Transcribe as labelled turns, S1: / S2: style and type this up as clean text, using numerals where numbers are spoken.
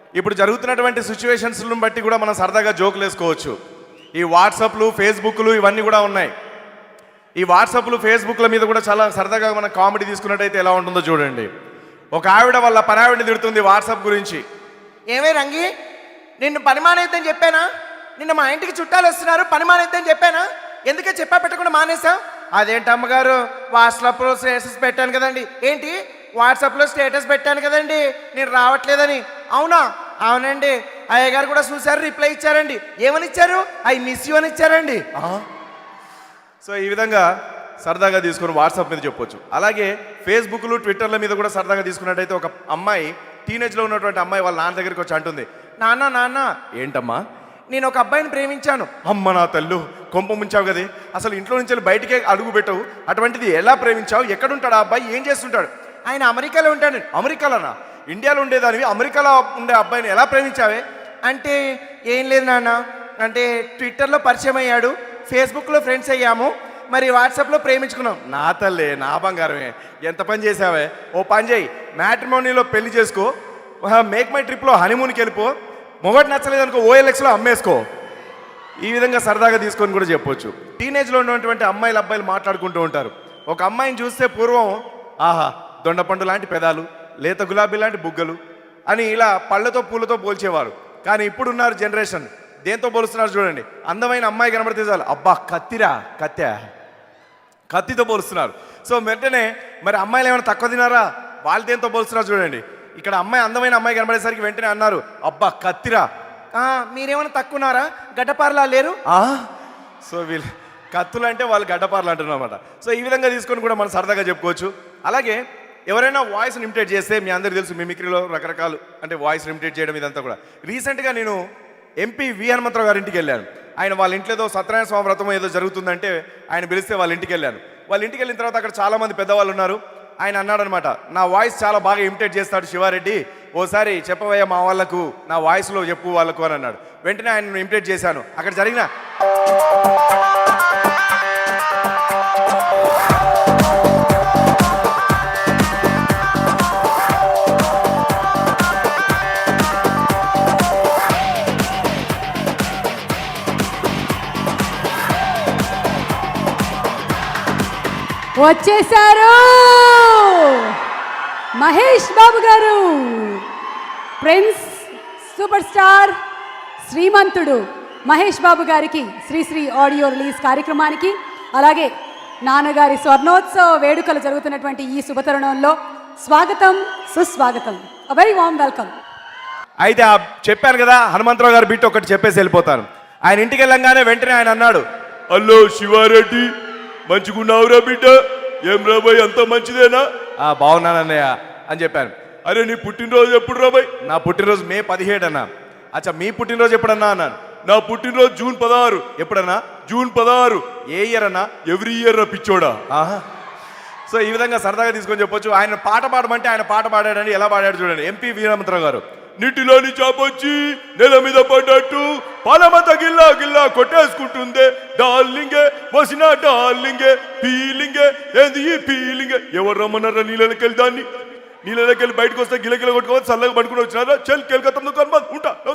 S1: ఇప్పుడు జరుగుతున్నటువంటి సిచ్యువేషన్స్ను బట్టి కూడా మనం సరదాగా జోకులు వేసుకోవచ్చు. ఈ వాట్సాప్లు, ఫేస్బుక్లు ఇవన్నీ కూడా ఉన్నాయి. ఈ వాట్సాప్లు, ఫేస్బుక్ల మీద కూడా చాలా సరదాగా మనం కామెడీ తీసుకున్నట్టయితే ఎలా ఉంటుందో చూడండి. ఒక ఆవిడ వాళ్ళ పనావిడిని తిడుతుంది వాట్సాప్ గురించి.
S2: ఏమే రంగి, నిన్ను పని మానేద్దని చెప్పానా? నిన్న మా ఇంటికి చుట్టాలు వస్తున్నారు, పని మానేద్దని చెప్పానా? ఎందుకే చెప్పా పెట్టకుండా మానేసా? అదేంటి అమ్మగారు, వాట్సాప్లో స్టేటస్ పెట్టాను కదండి. ఏంటి వాట్సాప్లో స్టేటస్ పెట్టాను కదండి నేను రావట్లేదని? అవునా? అవునండి. అయ్య గారు కూడా చూశారు, రిప్లై ఇచ్చారండి. ఏమని ఇచ్చారు? ఐ మిస్ యూ అని ఇచ్చారండి.
S1: సో ఈ విధంగా సరదాగా తీసుకుని వాట్సాప్ మీద చెప్పొచ్చు. అలాగే ఫేస్బుక్లు, ట్విట్టర్ల మీద కూడా సరదాగా తీసుకున్నట్టయితే ఒక అమ్మాయి, టీనేజ్లో ఉన్నటువంటి అమ్మాయి వాళ్ళ నాన్న దగ్గరికి వచ్చి అంటుంది, నాన్న నాన్న. ఏంటమ్మా?
S2: నేను ఒక అబ్బాయిని ప్రేమించాను.
S1: అమ్మ నా తల్లు, కొంప ముంచావు కదే, అసలు ఇంట్లో నుంచి బయటికే అడుగు పెట్టవు, అటువంటిది ఎలా ప్రేమించావు? ఎక్కడుంటాడు ఆ అబ్బాయి? ఏం చేస్తుంటాడు?
S2: ఆయన అమెరికాలో ఉంటాడు.
S1: అమెరికాలోనా? ఇండియాలో ఉండేదానివి అమెరికాలో ఉండే అబ్బాయిని ఎలా ప్రేమించావే?
S2: అంటే ఏం లేదు నాన్న, అంటే ట్విట్టర్లో పరిచయం అయ్యాడు, ఫేస్బుక్లో ఫ్రెండ్స్ అయ్యాము, మరి వాట్సాప్లో ప్రేమించుకున్నాం.
S1: నా తల్లే, నా బంగారమే, ఎంత పని చేసావే. ఓ పని చేయి, మ్యాట్రిమోనీలో పెళ్లి చేసుకో, మేక్ మై ట్రిప్లో హనీమూన్కి వెళ్ళిపో, మొగటి నచ్చలేదనుకో ఓఎల్ఎక్స్లో అమ్మేసుకో. ఈ విధంగా సరదాగా తీసుకొని కూడా చెప్పొచ్చు. టీనేజ్లో ఉన్నటువంటి అమ్మాయిలు, అబ్బాయిలు మాట్లాడుకుంటూ ఉంటారు. ఒక అమ్మాయిని చూస్తే పూర్వం ఆహా దొండపండు లాంటి పెదాలు, లేత గులాబీ లాంటి బుగ్గలు అని ఇలా పళ్ళతో పూలతో పోల్చేవారు. కానీ ఇప్పుడున్నారు జనరేషన్ దేంతో పోలుస్తున్నారు చూడండి. అందమైన అమ్మాయి కనబడితే చాలు, అబ్బా కత్తిరా, కత్తితో పోలుస్తున్నారు. సో వెంటనే మరి అమ్మాయిలు ఏమైనా తక్కువ తినారా? వాళ్ళు దేంతో పోలుస్తున్నారు చూడండి. ఇక్కడ అమ్మాయి, అందమైన అమ్మాయి కనబడేసరికి వెంటనే అన్నారు, అబ్బా కత్తిరా.
S2: మీరేమైనా తక్కువన్నారా? గడ్డపారలా లేరు?
S1: సో వీళ్ళు కత్తులు అంటే వాళ్ళు గడ్డపార్లు అంటున్నారు అనమాట. సో ఈ విధంగా తీసుకొని కూడా మనం సరదాగా చెప్పుకోవచ్చు. అలాగే ఎవరైనా వాయిస్ని ఇమిటేట్ చేస్తే, మీ అందరికీ తెలుసు మిమిక్రీలో రకరకాలు, అంటే వాయిస్ ఇమిటేట్ చేయడం ఇదంతా కూడా. రీసెంట్గా నేను ఎంపీ వి హనుమంతరావు గారి ఇంటికి వెళ్ళాను. ఆయన వాళ్ళ ఇంట్లో ఏదో సత్యనారాయణ స్వామి వ్రతం ఏదో జరుగుతుందంటే ఆయన పిలిస్తే వాళ్ళ ఇంటికి వెళ్ళాను. వాళ్ళ ఇంటికి వెళ్ళిన తర్వాత అక్కడ చాలామంది పెద్దవాళ్ళు ఉన్నారు. ఆయన అన్నాడనమాట, నా వాయిస్ చాలా బాగా ఇమిటేట్ చేస్తాడు శివారెడ్డి, ఓసారి చెప్పవయ్యా మా వాళ్ళకు, నా వాయిస్లో చెప్పు వాళ్ళకు అని అన్నాడు. వెంటనే ఆయన ఇమిటేట్ చేశాను. అక్కడ జరిగిన
S3: వచ్చేసారు Mahesh Babu garu, prince, super star, Srimanthudu Mahesh Babu గారికి శ్రీశ్రీ ఆడియో రిలీజ్ కార్యక్రమానికి, అలాగే నాన్నగారి స్వర్ణోత్సవ వేడుకలు జరుగుతున్నటువంటి ఈ శుభతరుణంలో స్వాగతం, సుస్వాగతం, వెరీ వామ్ వెల్కమ్.
S1: అయితే చెప్పాను కదా, హనుమంతరావు గారు బిట్ ఒకటి చెప్పేసి వెళ్ళిపోతాను. ఆయన ఇంటికి వెళ్ళంగానే వెంటనే ఆయన అన్నాడు, హలో శివారెడ్డి, మంచిగున్నావురా బిడ్డ, ఏం రాబాయ్ అంత మంచిదేనా? బాగున్నానన్నయ్య అని చెప్పాను. అరే నీ పుట్టినరోజు ఎప్పుడు రాబాయ్? నా పుట్టినరోజు మే 17 అన్నా. అచ్చా మీ పుట్టినరోజు ఎప్పుడన్నా అన్నాను. నా పుట్టినరోజు జూన్ 16. ఎప్పుడన్నా? జూన్ 16. ఏ ఇయర్ అన్నా? ఎవ్రీ ఇయర్ పిచ్చోడా. సో ఈ విధంగా సరదాగా తీసుకొని చెప్పొచ్చు. ఆయన పాట పాడమంటే ఆయన పాట పాడాడని ఎలా పాడాడు చూడండి. ఎంపీ వి హనుమంతరావు గారు, నీటిలోని చాపొచ్చి నెల మీద పడ్డట్టు పాలమత గిల్లా గిల్లా కొట్టేసుకుంటుందే, డార్లింగే వసిన డార్లింగే, ఫీలింగే ఏంది ఈ ఫీలింగే. ఎవరు రమ్మన్నారా నీళ్ళకి వెళ్ళి? దాన్ని నీళ్ళకి వెళ్ళి బయటకు వస్తే గిలగిల కొట్టుకోవచ్చు, చల్లగా పడుకుని వచ్చినారా? చెల్ కెల్కత్తా ఉంటా.